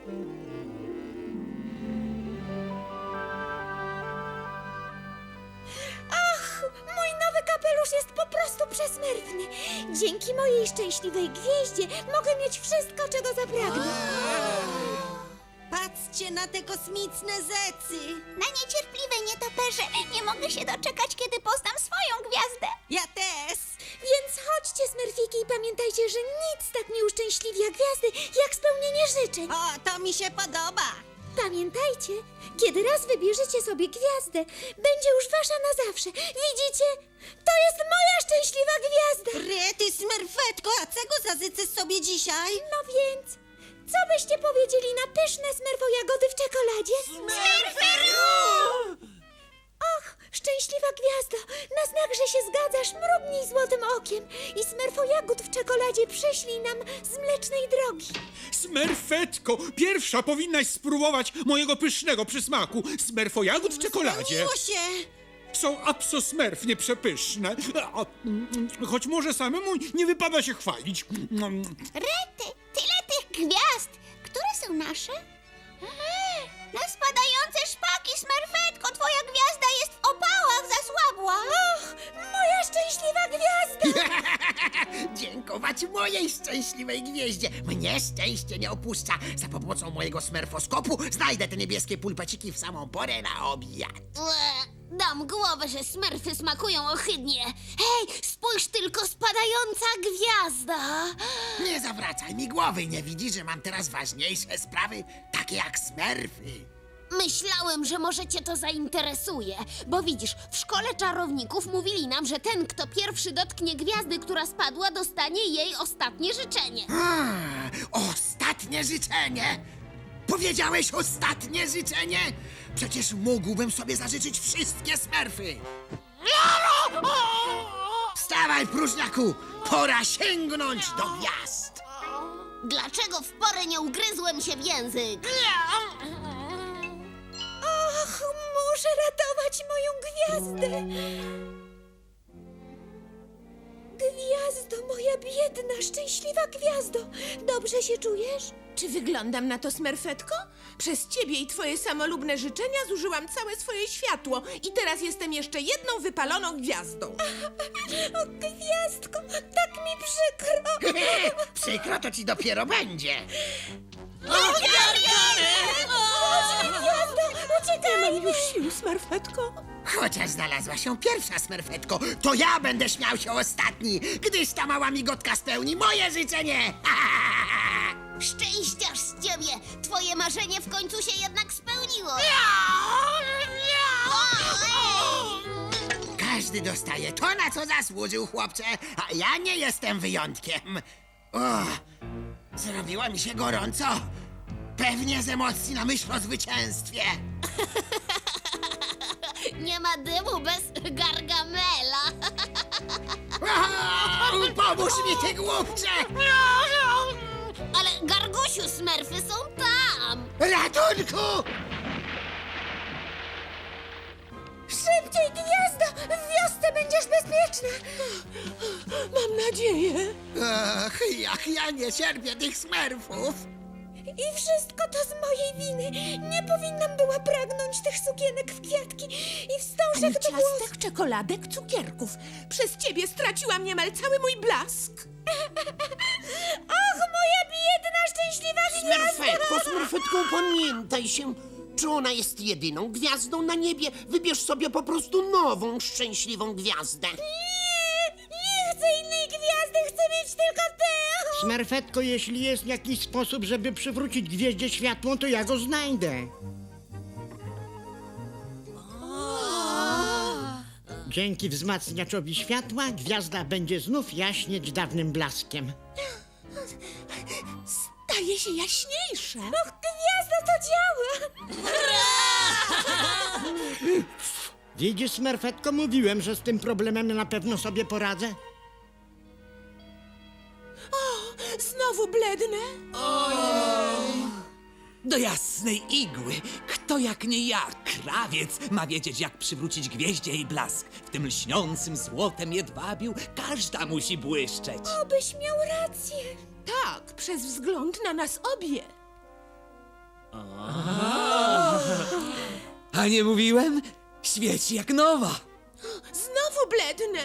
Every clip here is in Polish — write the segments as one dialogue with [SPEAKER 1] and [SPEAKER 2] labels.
[SPEAKER 1] Ach, mój nowy kapelusz jest po prostu przesmętny. Dzięki mojej szczęśliwej gwieździe mogę mieć wszystko, czego zapragnę.
[SPEAKER 2] Patrzcie na te kosmiczne zecy!
[SPEAKER 3] Na niecierpliwe nietoperze! Nie mogę się doczekać, kiedy poznam swoją gwiazdę!
[SPEAKER 2] Ja też!
[SPEAKER 1] Więc chodźcie, smerfiki, i pamiętajcie, że nic tak nie uszczęśliwia gwiazdy, jak spełnienie życzeń.
[SPEAKER 2] O, to mi się podoba!
[SPEAKER 1] Pamiętajcie, kiedy raz wybierzecie sobie gwiazdę, będzie już wasza na zawsze. Widzicie? To jest moja szczęśliwa gwiazda.
[SPEAKER 2] Rety, smerfetko, a czego zazycy sobie dzisiaj?
[SPEAKER 1] No więc, co byście powiedzieli na pyszne smerfojagody w czekoladzie? Och, szczęśliwa gwiazdo, na znak, że się zgadzasz, mrugnij złotym okiem i smerfojagód w czekoladzie przyślij nam z Mlecznej Drogi.
[SPEAKER 4] Smerfetko, pierwsza powinnaś spróbować mojego pysznego przysmaku smerfojagód w czekoladzie.
[SPEAKER 2] Spełniło się!
[SPEAKER 4] Są absolutnie przepyszne, choć może samemu nie wypada się chwalić.
[SPEAKER 3] Rety, tyle tych gwiazd! Które są nasze? Na spadające szpaki, smerfetko! Twoja gwiazda jest w opałach, zasłabła!
[SPEAKER 1] Och, moja szczęśliwa gwiazda!
[SPEAKER 5] Dziękować mojej szczęśliwej gwieździe. Mnie szczęście nie opuszcza. Za pomocą mojego smerfoskopu znajdę te niebieskie pulpeciki w samą porę na obiad.
[SPEAKER 3] Dam głowę, że smerfy smakują ohydnie. Hej, spójrz tylko, spadająca gwiazda!
[SPEAKER 5] Nie zawracaj mi głowy. Nie widzisz, że mam teraz ważniejsze sprawy, takie jak smerfy.
[SPEAKER 3] Myślałem, że może cię to zainteresuje, bo widzisz, w szkole czarowników mówili nam, że ten, kto pierwszy dotknie gwiazdy, która spadła, dostanie jej ostatnie życzenie.
[SPEAKER 5] Ostatnie życzenie. Powiedziałeś ostatnie życzenie? Przecież mógłbym sobie zażyczyć wszystkie smerfy. Wstawaj, próżniaku! Pora sięgnąć do gwiazd.
[SPEAKER 3] Dlaczego w porę nie ugryzłem się w język?
[SPEAKER 1] Och, muszę ratować moją gwiazdę. Gwiazdo, moja biedna, szczęśliwa gwiazdo. Dobrze się czujesz?
[SPEAKER 6] Czy wyglądam na to, smerfetko? Przez ciebie i twoje samolubne życzenia zużyłam całe swoje światło i teraz jestem jeszcze jedną wypaloną gwiazdą.
[SPEAKER 1] O, gwiazdko, tak mi przykro.
[SPEAKER 5] Przykro to ci dopiero będzie.
[SPEAKER 1] Gwiazdo, uciekaj.
[SPEAKER 6] Nie mam już sił, smerfetko.
[SPEAKER 5] Chociaż znalazła się pierwsza smerfetko, to ja będę śmiał się ostatni, gdyż ta mała migotka spełni moje życzenie.
[SPEAKER 3] Szczęściarz z ciebie! Twoje marzenie w końcu się jednak spełniło!
[SPEAKER 5] Każdy dostaje to, na co zasłużył, chłopcze, a ja nie jestem wyjątkiem. O, zrobiło mi się gorąco. Pewnie z emocji na myśl o zwycięstwie.
[SPEAKER 3] Nie ma dymu bez Gargamela!
[SPEAKER 5] O, pomóż mi, ty głupcze!
[SPEAKER 3] Ale Gargusiu, smerfy są tam!
[SPEAKER 5] Ratunku!
[SPEAKER 1] Szybciej, gwiazdo, w wiosce będziesz bezpieczna.
[SPEAKER 6] Mam nadzieję.
[SPEAKER 5] Ach, jak ja nie cierpię tych smerfów.
[SPEAKER 1] I wszystko to z mojej winy. Nie powinnam była pragnąć tych sukienek w kwiatki i
[SPEAKER 6] Ani
[SPEAKER 1] wstążek do włosów.
[SPEAKER 6] ciastek, czekoladek, cukierków. Przez ciebie straciłam niemal cały mój blask.
[SPEAKER 1] Och, moja biedna, szczęśliwa gwiazdo!
[SPEAKER 7] Smerfetko, pamiętaj się. Czy ona jest jedyną gwiazdą na niebie? Wybierz sobie po prostu nową, szczęśliwą gwiazdę.
[SPEAKER 1] Nie chcę innej gwiazdy, chcę mieć tylko tę!
[SPEAKER 8] Smerfetko, jeśli jest jakiś sposób, żeby przywrócić gwieździe światło, to ja go znajdę. Dzięki wzmacniaczowi światła gwiazda będzie znów jaśnieć dawnym blaskiem.
[SPEAKER 6] Staje się jaśniejsza.
[SPEAKER 1] Och, gwiazdo, to działa!
[SPEAKER 8] Widzisz, Smerfetko, mówiłem, że z tym problemem na pewno sobie poradzę.
[SPEAKER 6] Znowu blednę.
[SPEAKER 9] Do jasnej igły! Kto jak nie ja, krawiec, ma wiedzieć, jak przywrócić gwieździe jej blask. W tym lśniącym złotem jedwabiu każda musi błyszczeć.
[SPEAKER 1] Obyś miał rację.
[SPEAKER 6] Tak, przez wzgląd na nas obie.
[SPEAKER 9] A nie mówiłem? Świeci jak nowa.
[SPEAKER 6] Znowu blednę.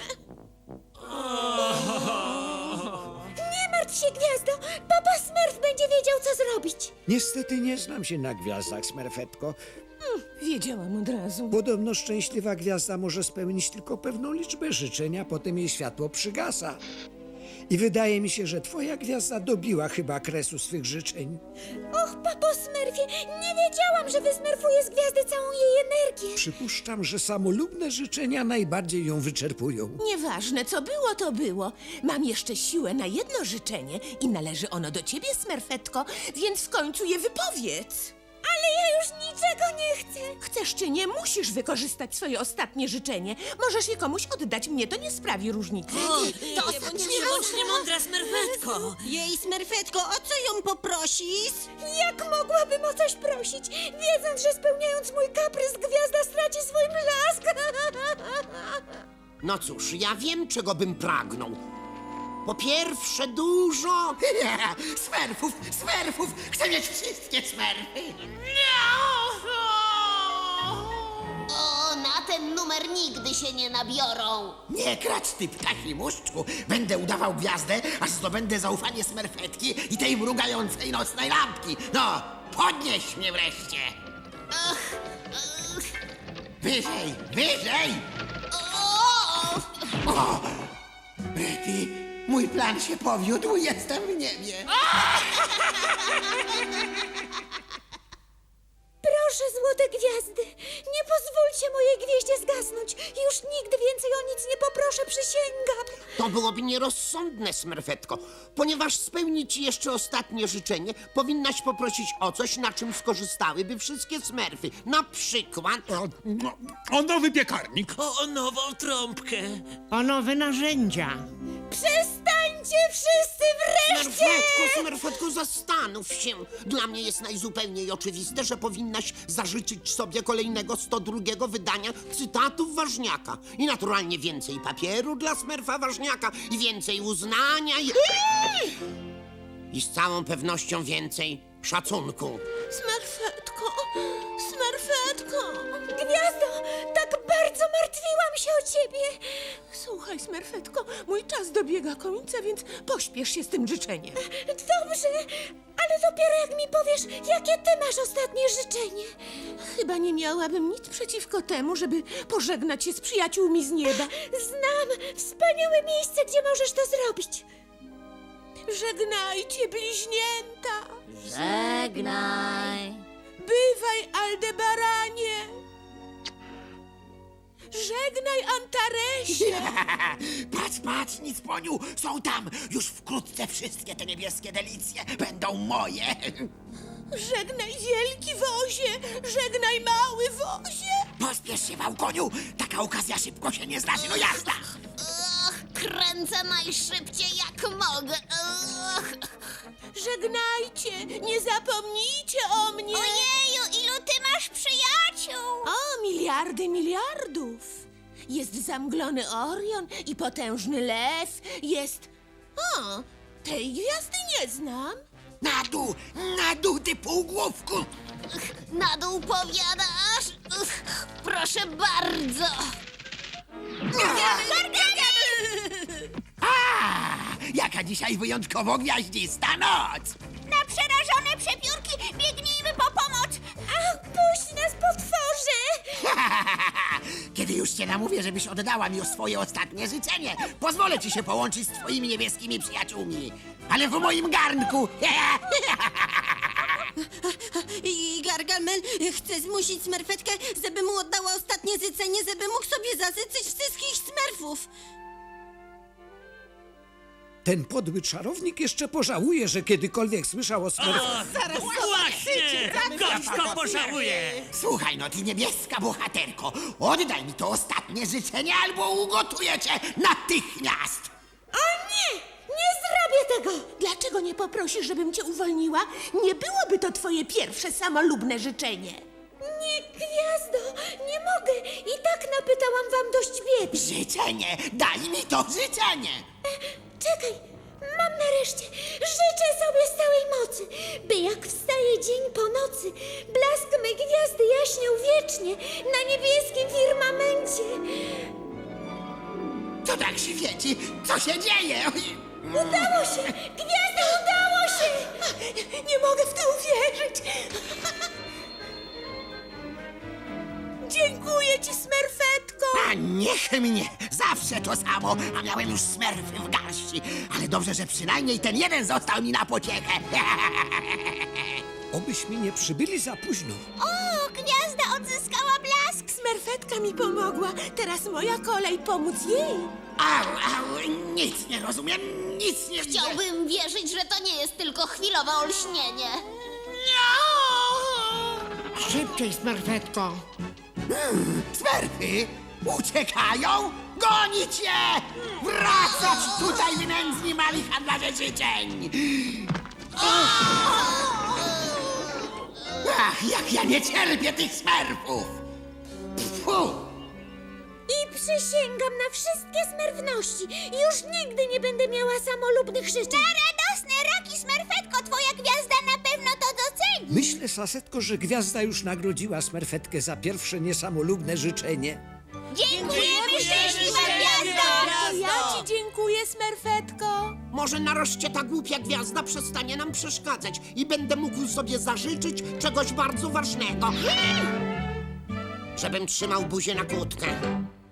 [SPEAKER 1] Nie martw się, Gwiazdo! Papa Smurf będzie wiedział, co zrobić.
[SPEAKER 10] Niestety nie znam się na gwiazdach, Smerfetko.
[SPEAKER 6] Wiedziałam od razu.
[SPEAKER 10] Podobno szczęśliwa gwiazda może spełnić tylko pewną liczbę życzeń, a potem jej światło przygasa. I wydaje mi się, że twoja gwiazda dobiła chyba kresu swych życzeń.
[SPEAKER 1] Och, papo Smurfie, nie wiedziałam, że wysmerfuje z gwiazdy całą jej energię.
[SPEAKER 10] Przypuszczam, że samolubne życzenia najbardziej ją wyczerpują.
[SPEAKER 6] Nieważne, co było, to było. Mam jeszcze siłę na jedno życzenie i należy ono do ciebie, Smerfetko, więc w końcu je wypowiedz.
[SPEAKER 1] Ale ja już niczego nie chcę.
[SPEAKER 6] Chcesz czy nie, musisz wykorzystać swoje ostatnie życzenie. Możesz je komuś oddać, mnie to nie sprawi różnicy.
[SPEAKER 2] To bądź niemądra, Smerfetko. Jej, Smerfetko, o co ją poprosisz?
[SPEAKER 1] Jak mogłabym o coś prosić, wiedząc, że spełniając mój kaprys, gwiazda straci swój blask?
[SPEAKER 7] No cóż, ja wiem, czego bym pragnął. Po pierwsze, dużo...
[SPEAKER 5] Smerfów! Chcę mieć wszystkie smerfy!
[SPEAKER 3] O, na ten numer nigdy się nie nabiorą.
[SPEAKER 5] Nie krać, ty ptasi muszczku! Będę udawał gwiazdę, aż zdobędę zaufanie smerfetki i tej mrugającej nocnej lampki! No, podnieś mnie wreszcie! Wyżej, wyżej! O! Rety, mój plan się powiódł, jestem w niebie!
[SPEAKER 1] Proszę, złote gwiazdy, nie pozwólcie mojej gwieździe zgasnąć. Już nigdy więcej o nic nie poproszę, przysięgam.
[SPEAKER 7] To byłoby nierozsądne, Smerfetko. Ponieważ spełni ci jeszcze ostatnie życzenie, powinnaś poprosić o coś, na czym skorzystałyby wszystkie smerfy. Na przykład...
[SPEAKER 4] O nowy piekarnik.
[SPEAKER 9] O nową trąbkę.
[SPEAKER 8] O nowe narzędzia.
[SPEAKER 1] Przestańcie wszyscy wreszcie!
[SPEAKER 7] Smerfetko, zastanów się. Dla mnie jest najzupełniej oczywiste, że powinnaś zażyczyć sobie kolejnego 102 wydania cytatów Ważniaka. I naturalnie więcej papieru dla Smerfa Ważniaka i więcej uznania i z całą pewnością więcej szacunku.
[SPEAKER 6] Smerfetko, Smerfetko.
[SPEAKER 1] Gwiazdo, tak bardzo martwiłam się o ciebie.
[SPEAKER 6] Słuchaj, Smerfetko, mój czas dobiega końca, więc pośpiesz się z tym życzeniem.
[SPEAKER 1] Dobrze, ale dopiero jak mi powiesz, jakie ty masz ostatnie życzenie.
[SPEAKER 6] Chyba nie miałabym nic przeciwko temu, żeby pożegnać się z przyjaciółmi z nieba.
[SPEAKER 1] Znam wspaniałe miejsce, gdzie możesz to zrobić.
[SPEAKER 6] Żegnajcie, bliźnięta!
[SPEAKER 2] Żegnaj.
[SPEAKER 6] Bywaj, Aldebaranie! Żegnaj, Antaresie!
[SPEAKER 5] Patrz, nic poniu, są tam! Już wkrótce wszystkie te niebieskie delicje będą moje!
[SPEAKER 6] Żegnaj, wielki wozie! Żegnaj, mały wozie!
[SPEAKER 5] Pospiesz się, Wałkoniu! Taka okazja szybko się nie zdarzy, no jazda!
[SPEAKER 3] Kręcę najszybciej jak mogę.
[SPEAKER 6] Żegnajcie! Nie zapomnijcie o mnie!
[SPEAKER 3] Ojeju, ilu ty masz przyjaciół?
[SPEAKER 6] O, miliardy miliardów! Jest zamglony Orion i potężny lew. Jest... O, tej gwiazdy nie znam.
[SPEAKER 5] Na dół, ty półgłówku!
[SPEAKER 3] Na dół powiadasz? Proszę bardzo.
[SPEAKER 5] Jaka dzisiaj wyjątkowo gwiaździsta noc!
[SPEAKER 3] Na przerażone przepiórki biegnijmy po pomoc.
[SPEAKER 1] Ach, puść nas, potworze!
[SPEAKER 5] Kiedy już cię namówię, żebyś oddała mi swoje ostatnie życzenie, pozwolę ci się połączyć z twoimi niebieskimi przyjaciółmi. Ale w moim garnku!
[SPEAKER 2] I Gargamel chce zmusić Smerfetkę, żeby mu oddała ostatnie życzenie, żeby mógł sobie zażyczyć wszystkich Smerfów.
[SPEAKER 10] Ten podły czarownik jeszcze pożałuje, że kiedykolwiek słyszał o Smerfach.
[SPEAKER 9] Właśnie! Gorzko pożałuję!
[SPEAKER 5] Słuchaj, no ty niebieska bohaterko, oddaj mi to ostatnie życzenie, albo ugotuję cię natychmiast!
[SPEAKER 1] O nie! Nie zrobię tego!
[SPEAKER 6] Dlaczego nie poprosisz, żebym cię uwolniła? Nie byłoby to twoje pierwsze samolubne życzenie.
[SPEAKER 1] Nie, Gwiazdo, nie mogę. I tak napytałam wam dość biedy.
[SPEAKER 5] Życzenie! Daj mi to życzenie!
[SPEAKER 1] Czekaj, mam nareszcie życzę sobie z całej mocy, by jak wstaje dzień po nocy, blask mej gwiazdy jaśniał wiecznie na niebieskim firmamencie.
[SPEAKER 5] To tak świeci. Co się dzieje?
[SPEAKER 1] Udało się! Gwiazdo, udało się!
[SPEAKER 6] Nie mogę w to uwierzyć. Dziękuję ci, Smerfetko.
[SPEAKER 5] A niech mnie! Zawsze to samo, a miałem już smerfy w garści. Ale dobrze, że przynajmniej ten jeden został mi na pociechę.
[SPEAKER 10] Obyśmy nie przybyli za późno.
[SPEAKER 1] O, gwiazda odzyskała blask!
[SPEAKER 6] Smerfetka mi pomogła. Teraz moja kolej pomóc jej.
[SPEAKER 5] Au, nic nie rozumiem, nic nie widzę.
[SPEAKER 3] Chciałbym wierzyć, że to nie jest tylko chwilowe olśnienie.
[SPEAKER 8] Szybciej, Smerfetko.
[SPEAKER 5] Smerfy uciekają? Gonić je! Wracać tutaj, wy nędzni mali handlarze życzeń! Ach, jak ja nie cierpię tych smerfów! Pfu!
[SPEAKER 1] I przysięgam na wszystkie smerfności. Już nigdy nie będę miała samolubnych życzeń. Na radosne roki, Smerfetko, twoja gwiazda na pewno to doceni.
[SPEAKER 10] Myślę, Sasetko, że gwiazda już nagrodziła Smerfetkę za pierwsze niesamolubne życzenie.
[SPEAKER 1] Dziękujemy, szczęśliwa gwiazdo!
[SPEAKER 6] Ja ci dziękuję, Smerfetko.
[SPEAKER 7] Może nareszcie ta głupia gwiazda przestanie nam przeszkadzać i będę mógł sobie zażyczyć czegoś bardzo ważnego. Żebym trzymał buzię na kłódkę.